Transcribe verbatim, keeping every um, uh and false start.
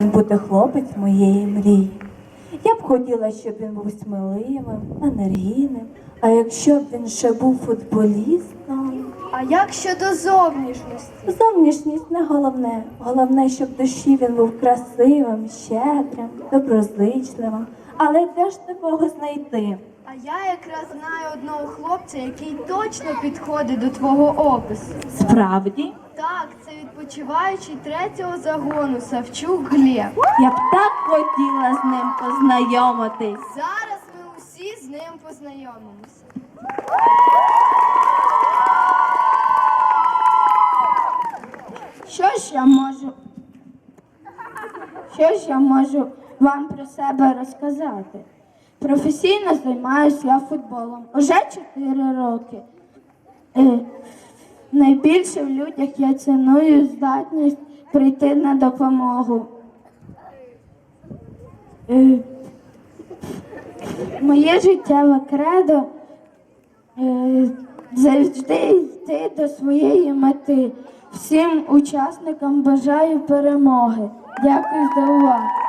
Бути хлопець моєї мрії. Я б хотіла, щоб він був сміливим, енергійним, а якщо б він ще був футболістом. А як щодо зовнішності? Зовнішність не головне. Головне, щоб в душі він був красивим, щедрим, доброзичливим. Але де ж такого знайти? А я якраз знаю одного хлопця, який точно підходить до твого опису. Справді? Так, це відпочиваючий третього загону Савчук Глеб. Я б так хотіла з ним познайомитись. Зараз ми усі з ним познайомимося. Що ж я можу? Що ж я можу вам про себе розказати? Професійно займаюся я футболом уже чотири роки. Е, найбільше в людях я ціную здатність прийти на допомогу. Е, моє життєве кредо е, завжди йти до своєї мети. Всім учасникам бажаю перемоги. Дякую за увагу.